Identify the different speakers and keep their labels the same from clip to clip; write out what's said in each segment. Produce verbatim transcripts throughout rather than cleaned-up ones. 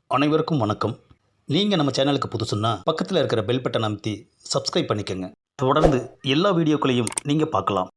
Speaker 1: அனைவருக்கும் வணக்கம். நீங்கள் நம்ம சேனலுக்கு புதுசுன்னா பக்கத்தில் இருக்கிற பெல் பட்டனை அமைத்தி சப்ஸ்கிரைப் பண்ணிக்கோங்க. தொடர்ந்து எல்லா வீடியோக்களையும் நீங்கள் பார்க்கலாம்.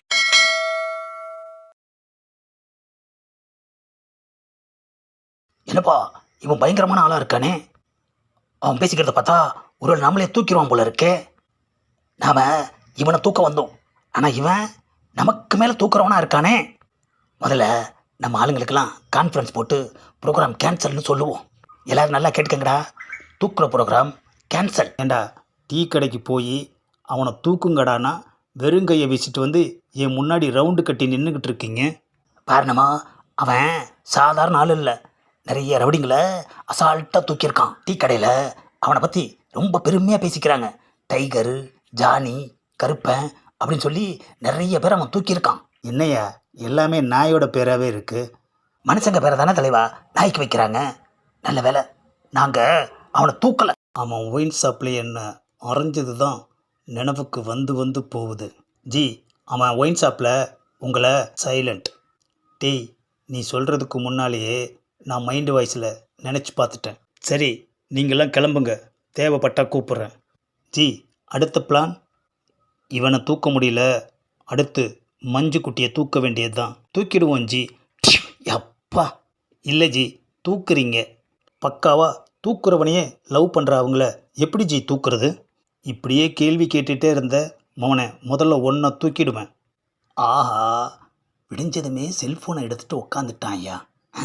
Speaker 2: என்னப்பா இவன் பயங்கரமான ஆளாக இருக்கானே. அவன் பேசிக்கிறத பார்த்தா ஒரு நம்மளே தூக்கிடுவான் போல இருக்கே. நாம் இவனை தூக்க வந்தோம், ஆனால் இவன் நமக்கு மேலே தூக்குறவனா இருக்கானே. முதல்ல நம்ம ஆளுங்களுக்கெல்லாம் கான்ஃபரன்ஸ் போட்டு ப்ரோக்ராம் கேன்சல்னு சொல்லுவோம். எல்லோரும் நல்லா கேட்டுக்கங்கடா, தூக்குற ப்ரோக்ராம் கேன்சல்.
Speaker 1: ஏண்டா டீ கடைக்கு போய் அவனை தூக்குங்கடானா வெறுங்கையை வீசிட்டு வந்து என் முன்னாடி ரவுண்டு கட்டி நின்றுக்கிட்டு இருக்கீங்க.
Speaker 2: காரணமா அவன் சாதாரண ஆள் இல்லை, நிறைய ரவுடிங்களை அசால்ட்டாக தூக்கியிருக்கான். டீ கடையில் அவனை பற்றி ரொம்ப பெருமையாக பேசிக்கிறாங்க. டைகரு, ஜானி, கருப்பன் அப்படின்னு சொல்லி நிறைய பேர் அவன் தூக்கியிருக்கான்.
Speaker 1: என்னையா எல்லாமே நாயோட பேராகவே இருக்குது.
Speaker 2: மனுஷங்க பேரை தானே தலைவா நாய்க்கு வைக்கிறாங்க. நல்ல வேலை நாங்கள் அவனை தூக்கலை.
Speaker 1: அவன் ஒயின் ஷாப்பில் என்ன அரைஞ்சது தான் நினைவுக்கு வந்து வந்து போகுது. ஜி, அவன் ஒயின் ஷாப்பில் உங்களை சைலண்ட் டீ நீ சொல்கிறதுக்கு முன்னாலேயே நான் மைண்டு வாய்ஸில் நினச்சி பார்த்துட்டேன். சரி, நீங்களாம் கிளம்புங்க, தேவைப்பட்டால் கூப்பிட்றேன். ஜி, அடுத்த பிளான்? இவனை தூக்க முடியல, அடுத்து மஞ்சு குட்டியை தூக்க வேண்டியது தான். தூக்கிடுவோம் ஜி.
Speaker 2: அப்பா
Speaker 1: இல்லை ஜி, தூக்குறீங்க பக்காவா. தூக்குறவனையே லவ் பண்ணுற அவங்கள எப்படி ஜி தூக்குறது? இப்படியே கேள்வி கேட்டுகிட்டே இருந்த மவனை முதல்ல ஒன்றை தூக்கிடுவேன்.
Speaker 2: ஆஹா, விடிஞ்சதுமே செல்ஃபோனை எடுத்துகிட்டு உக்காந்துட்டான் ஐயா.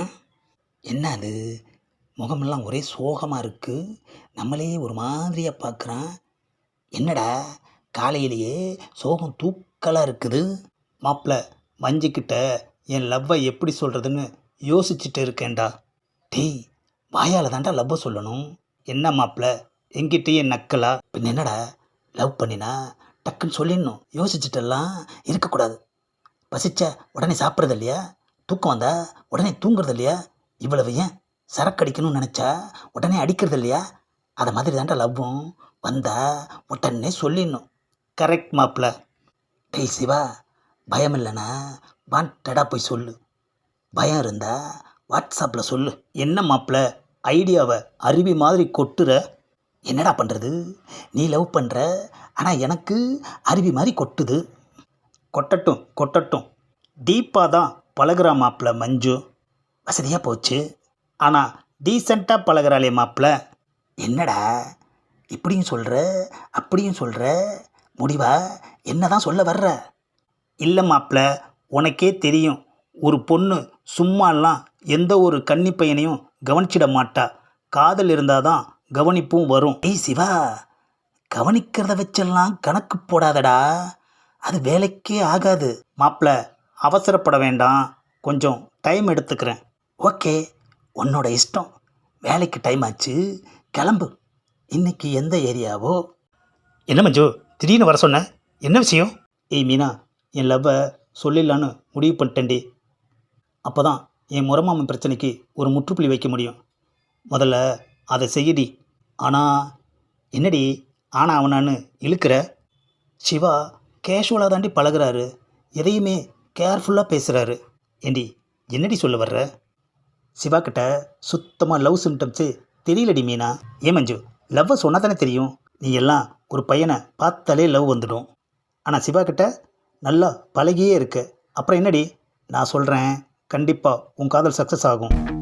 Speaker 2: என்ன அது, முகமெல்லாம் ஒரே சோகமாக இருக்குது, நம்மளே ஒரு மாதிரியாக பார்க்குறான். என்னடா காலையிலேயே சோகம் தூக்கலாக இருக்குது.
Speaker 1: மாப்பிள்ள, மஞ்சுக்கிட்ட என் லவ்வை எப்படி சொல்கிறதுன்னு யோசிச்சுட்டு இருக்கேன்டா.
Speaker 2: டேய், வாயால் தாண்டா லவ்வை சொல்லணும்.
Speaker 1: என்ன மாப்பிள்ள, எங்கிட்டயே நக்கலா?
Speaker 2: பின் என்னடா, லவ் பண்ணினா டக்குன்னு சொல்லிடணும், யோசிச்சுட்டெல்லாம் இருக்கக்கூடாது. பசிச்ச உடனே சாப்பிட்றது இல்லையா, தூக்கம் வந்தா உடனே தூங்குறது இல்லையா, இவ்வளவு ஏன் சரக்கு அடிக்கணும்னு நினச்சா உடனே அடிக்கிறது இல்லையா, அதை மாதிரி தாண்டா லவ்வும். வந்தா உடனே சொல்லிடணும்.
Speaker 1: கரெக்ட் மாப்பிள்ள.
Speaker 2: டேய் சிவா, பயம் இல்லைன்னா வாண்டடா போய் சொல்லு, பயம் இருந்தா வாட்ஸ்அப்பில் சொல்லு.
Speaker 1: என்ன மாப்பிள்ள, ஐடியாவை அருவி மாதிரி கொட்டுற?
Speaker 2: என்னடா பண்ணுறது, நீ லவ் பண்ணுற, ஆனால் எனக்கு அருவி மாதிரி கொட்டுது.
Speaker 1: கொட்டட்டும் கொட்டட்டும், டீப்பாக தான் பழகிறா மாப்பிள்ள மஞ்சு.
Speaker 2: வசதியாக போச்சு.
Speaker 1: ஆனால் டீசெண்டாக பழகிறாளே மாப்பிள்ள.
Speaker 2: என்னடா இப்படியும் சொல்கிற அப்படியும் சொல்கிற, முடிவா என்ன தான் சொல்ல வர்ற?
Speaker 1: இல்லை மாப்பிள்ள, உனக்கே தெரியும், ஒரு பொண்ணு சும்மாலாம் எந்த ஒரு கன்னி பையனையும் கவனிச்சிட மாட்டா. காதல் இருந்தால் தான் கவனிப்பும் வரும்.
Speaker 2: ஏய் சிவா, கவனிக்கிறத வச்செல்லாம் கணக்கு போடாதடா, அது வேலைக்கே ஆகாது.
Speaker 1: மாப்பிள்ள, அவசரப்பட வேண்டாம், கொஞ்சம் டைம் எடுத்துக்கிறேன்.
Speaker 2: ஓகே, உன்னோட இஷ்டம். வேலைக்கு டைம் ஆச்சு, கிளம்பு. இன்னைக்கு எந்த ஏரியாவோ?
Speaker 1: என்ன மஞ்சு, திடீர்னு வர சொன்ன, என்ன விஷயம்? ஏய் மீனா, என் லவ்வை சொல்லிடலான்னு முடிவு பண்ணிட்டேன்டி. அப்போ தான் என் முறமாமன் பிரச்சனைக்கு ஒரு முற்றுப்புள்ளி வைக்க முடியும். முதல்ல அதை செய்யடி. ஆனால் என்னடி ஆனா அவனான்னு இழுக்கிற? சிவா கேஷுவலாக தாண்டி பழகிறாரு, எதையுமே கேர்ஃபுல்லாக பேசுகிறாரு. ஏண்டி என்னடி சொல்ல வர்ற? சிவா கிட்ட சுத்தமாக லவ் சிம்டம்ஸு தெரியலடி மீனா. ஏன் மஞ்சு, லவ்வை சொன்னால் தானே தெரியும். நீ எல்லாம் ஒரு பையனை பார்த்தாலே லவ் வந்துடும். ஆனால் சிவா கிட்ட நல்லா பழகியே இருக்க, அப்புறம் என்னடி? நான் சொல்கிறேன், கண்டிப்பாக உன் காதல் சக்ஸஸ் ஆகும்.